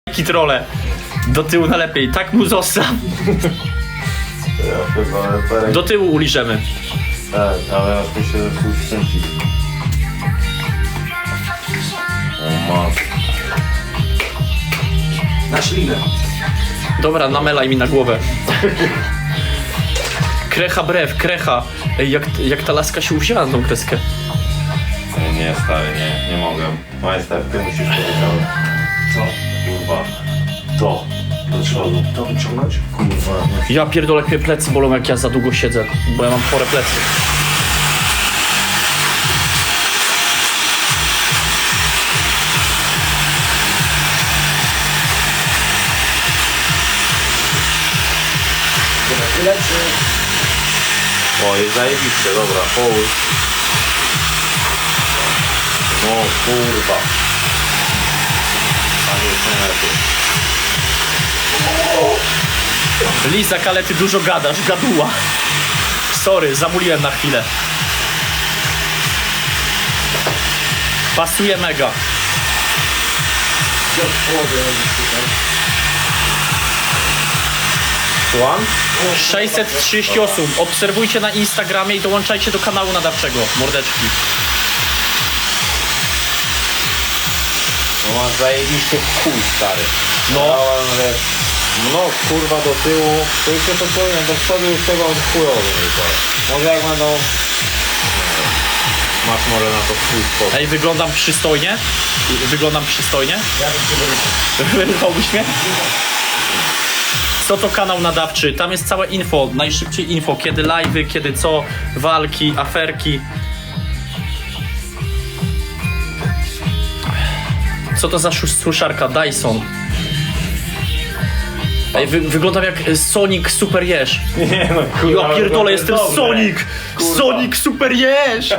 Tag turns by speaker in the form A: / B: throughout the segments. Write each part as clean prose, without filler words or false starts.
A: Kitrole. Do tyłu na lepiej, tak mu zostaw.
B: Ja chyba
A: Do tyłu uliżemy.
B: Tak, ale ja myślę, że tu skręcić. O masz.
C: Na ślinę.
A: Dobra, namelaj mi na głowę. Krecha brew, krecha. Ej, jak ta laska się uwzięła na tą kreskę.
B: Nie, stary, nie mogę. Majster, ty musisz powiedzieć.
C: Co?
B: Kurwa. To. Do przodu.
C: To wyciągnąć?
B: Kurwa.
A: Ja pierdolę, jak mnie plecy bolą, jak ja za długo siedzę, bo ja mam chore plecy.
C: Tyle czy...
B: O, jest zajebiście, dobra, połóż. No kurwa. A nie, co lepiej.
A: Lizak, ale ty dużo gadasz, gaduła. Sorry, zamuliłem na chwilę. Pasuje mega.
C: Gdzie od połowy robisz tutaj?
B: Słucham?
A: 630 osób. Obserwujcie na Instagramie i dołączajcie do kanału nadawczego. Mordeczki.
B: No masz zajebiście chuj, stary.
A: No.
B: Dałem, wiesz, no kurwa do tyłu. To już się to powiem, do przodu już tego chujowy nie to. Może jak będą... Masz może na to swój sposób.
A: Ej, wyglądam przystojnie? Wyglądam przystojnie?
C: Ja bym cię wyrywał.
A: Wyrwałbyś mnie? Co to kanał nadawczy? Tam jest całe info, najszybciej info, kiedy live'y, kiedy co, walki, aferki. Co to za suszarka? Dyson. Ej, wyglądam jak Sonic Super Jeż.
B: Nie no
A: Ja pierdolę, jestem Sonic! Sonic Super Jeż!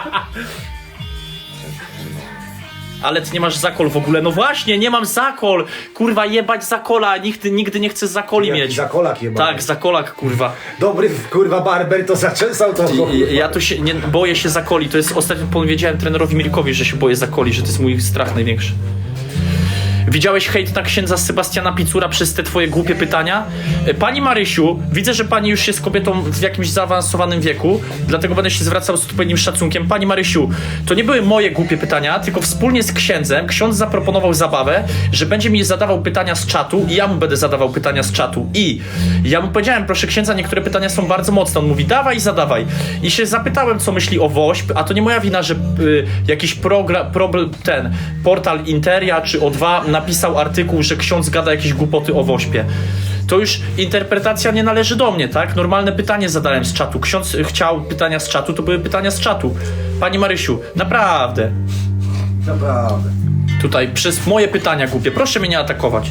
A: Ale ty nie masz zakol w ogóle. No właśnie, nie mam zakol. Kurwa, jebać zakola. Nigdy nie chcę zakoli mieć.
C: Zakolak jebany.
A: Tak, zakolak, kurwa.
C: Dobry, kurwa, barber to zaczesał to.
A: Ja to się, nie, boję się zakoli. To jest, ostatnio powiedziałem trenerowi Milkowi, że się boję zakoli, że to jest mój strach największy. Widziałeś hejt na księdza Sebastiana Picura przez te twoje głupie pytania? Pani Marysiu, widzę, że pani już jest kobietą w jakimś zaawansowanym wieku, dlatego będę się zwracał z odpowiednim szacunkiem. Pani Marysiu, to nie były moje głupie pytania, tylko wspólnie z księdzem ksiądz zaproponował zabawę, że będzie mi zadawał pytania z czatu i ja mu będę zadawał pytania z czatu. I ja mu powiedziałem, proszę księdza, niektóre pytania są bardzo mocne. On mówi, dawaj, zadawaj. I się zapytałem, co myśli o WOŚP, a to nie moja wina, że jakiś portal Interia czy O2 napisał artykuł, że ksiądz gada jakieś głupoty o WOŚPie. To już interpretacja nie należy do mnie, tak? Normalne pytanie zadałem z czatu. Ksiądz chciał pytania z czatu, to były pytania z czatu. Pani Marysiu, naprawdę.
C: Naprawdę.
A: Tutaj przez moje pytania głupie. Proszę mnie nie atakować.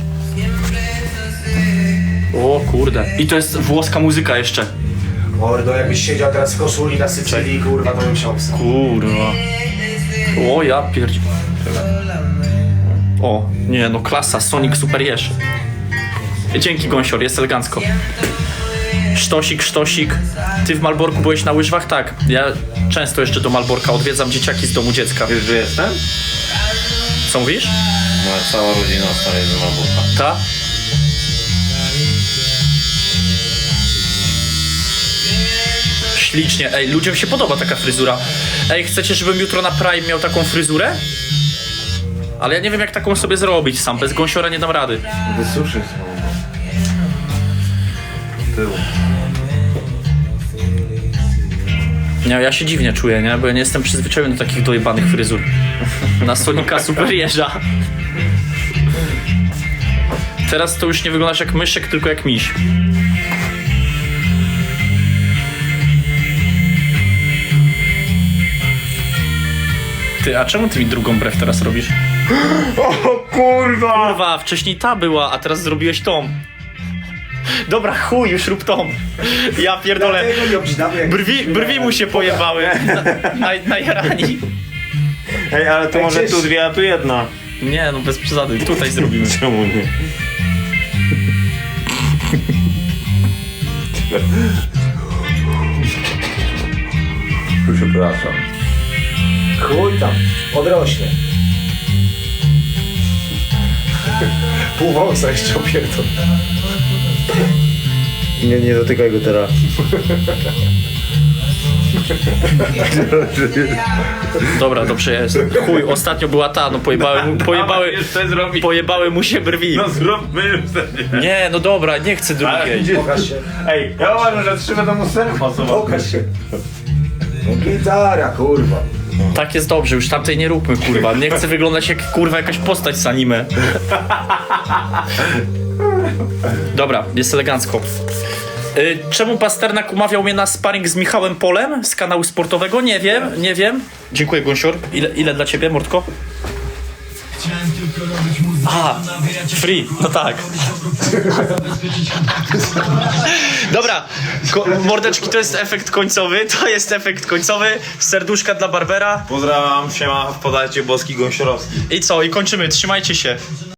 A: O kurde. I to jest włoska muzyka jeszcze.
C: Mordo, jakbyś siedział teraz w koszuli na Sycylii, kurwa, to bym się obsał.
A: Kurwa. O ja pierdzi... O, nie no, klasa, Sonic Super Jeż. Dzięki, Gąsior, jest elegancko. Sztosik. Ty w Malborku byłeś na łyżwach? Tak. Ja często jeszcze do Malborka odwiedzam dzieciaki z domu dziecka.
B: Wiesz, że jestem?
A: Co mówisz?
B: Moja cała rodzina stary z Malborka.
A: Ta? Ślicznie. Ej, ludziom się podoba taka fryzura. Ej, chcecie, żebym jutro na Prime miał taką fryzurę? Ale ja nie wiem, jak taką sobie zrobić sam. Bez Gąsiora nie dam rady.
B: Wysuszyć znowu. Tył.
A: Nie, ja się dziwnie czuję, nie? Bo ja nie jestem przyzwyczajony do takich dojebanych fryzur. Na Sonika Super Jeża. Teraz to już nie wyglądasz jak myszek, tylko jak miś. Ty, a czemu ty mi drugą brew teraz robisz?
B: O kurwa!
A: Kurwa, wcześniej ta była, a teraz zrobiłeś tą. Dobra, chuj, już rób tą. Ja pierdolę. Brwi mu się pojebały. Na jarani.
B: Ej, ale to może tu dwie, a tu jedna.
A: Nie, no bez przesady. Tutaj zrobimy.
B: Czemu nie? Przepraszam.
C: Chuj tam, odrośnie. Pół wąsa jeszcze opierdol.
D: Nie dotykaj go teraz.
A: Dobra, dobrze jest. Chuj, ostatnio była ta, no pojebały mu się brwi.
B: No zróbmy już ten.
A: Nie, no dobra, nie chcę drugiej.
C: Pokaż się.
B: Ej, ja uważam, że 3 będą mu ser pasować.
C: Pokaż się. No gitara, kurwa.
A: Tak jest dobrze, już tamtej nie róbmy, kurwa. Nie chcę wyglądać jak, kurwa, jakaś postać z anime. Dobra, jest elegancko. Czemu Pasternak umawiał mnie na sparring z Michałem Polem z kanału sportowego? Nie wiem. Dziękuję, Gąsior. Ile dla ciebie, Mordko? A, free, no tak. Dobra, mordeczki, to jest efekt końcowy, serduszka dla Barbera.
B: Pozdrawiam, siema, podajcie boski Gąsiorowski.
A: I co, i kończymy, trzymajcie się.